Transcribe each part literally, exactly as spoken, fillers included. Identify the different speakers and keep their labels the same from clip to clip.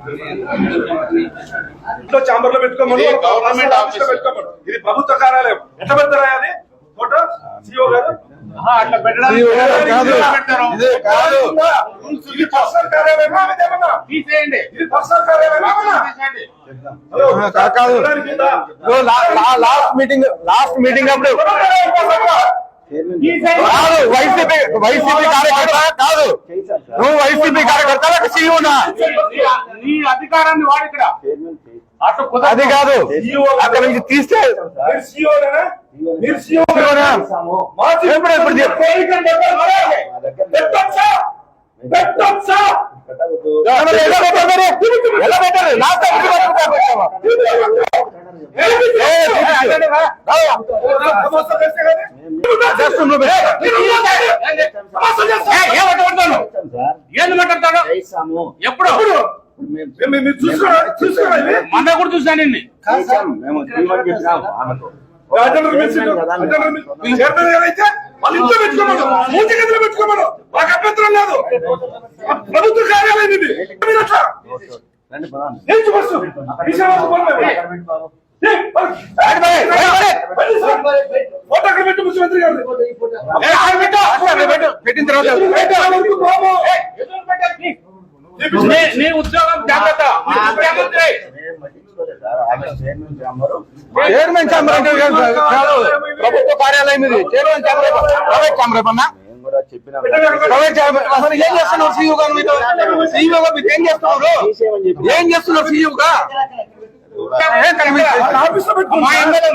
Speaker 1: ఇంట్లో చాంబర్ లో పెట్టుకోమని గవర్నమెంట్ ఆఫీస్ లో పెట్టుకోమని. ఇది ప్రభుత్వ కార్యాలయం. ఎట్లా పెడతారా అది ఫోటో? సిఓ గారు అట్లా పెట్టడానికి
Speaker 2: లాస్ట్ మీటింగ్ లాస్ట్ మీటింగ్ అప్పుడు వైసీపీ వైసీపీ కార్యకర్త కాదు, నువ్వు వైసీపీ కార్యకర్త సీఈఓనా?
Speaker 3: నీ అధికారాన్ని వాడు ఇక్కడ
Speaker 2: అది కాదు, అక్కడ నుంచి తీస్తే ఎలా పెట్టారు? లాస్ట్
Speaker 3: ఏంది మాట్లాడతాడు? ఎప్పుడు మన కూడా చూసాను.
Speaker 1: వాళ్ళ ఇంట్లో పెట్టుకోమను, మూతి గదిలో పెట్టుకోమను, మాకు అభ్యంతరం లేదు. ప్రభుత్వ కార్యాలయం ఇది. ఫోటో అక్కడ పెట్టు ముఖ్యమంత్రి గారు
Speaker 2: పెట్టిన తర్వాత
Speaker 3: నీ ఉద్యోగం జాగ్రత్త.
Speaker 2: చైర్మన్ ఛాంబర్ అంటే ప్రభుత్వ కార్యాలయం ఇది. చైర్మన్ ఛాంబర్ ప్రైవేట్ ఛాంబర్ అన్నా? Private chamber. అసలు ఏం చేస్తున్నారు సీఈఓ గారు? మీతో సీఈఓ గా మీరు ఏం చేస్తున్నారు? ఏం చేస్తున్నారు సీఈఓ గా?
Speaker 1: ఆఫీస్ లో పెట్టుకోండి,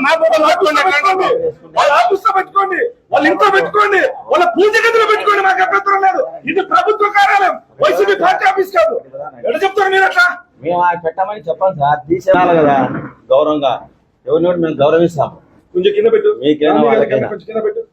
Speaker 1: వాళ్ళ ఆఫీస్ లో పెట్టుకోండి, వాళ్ళ ఇంట్లో పెట్టుకోండి, వాళ్ళ పూజ గదిలో పెట్టుకోండి, మాకు అభ్యంతరం లేదు. ఇది ప్రభుత్వ కార్యాలయం, వైసీపీ పార్టీ ఆఫీస్ కాదు. ఎట్లా చెప్తారు మీరు అట్లా?
Speaker 4: మేము పెట్టమని చెప్పాలి సార్, తీసేయాలి కదా గౌరవంగా. ఎవరిని మేము గౌరవిస్తాం.
Speaker 1: కొంచెం కింద పెట్టు,
Speaker 4: మీకైనా వాళ్ళకైనా
Speaker 1: కొంచెం కింద పెట్టు.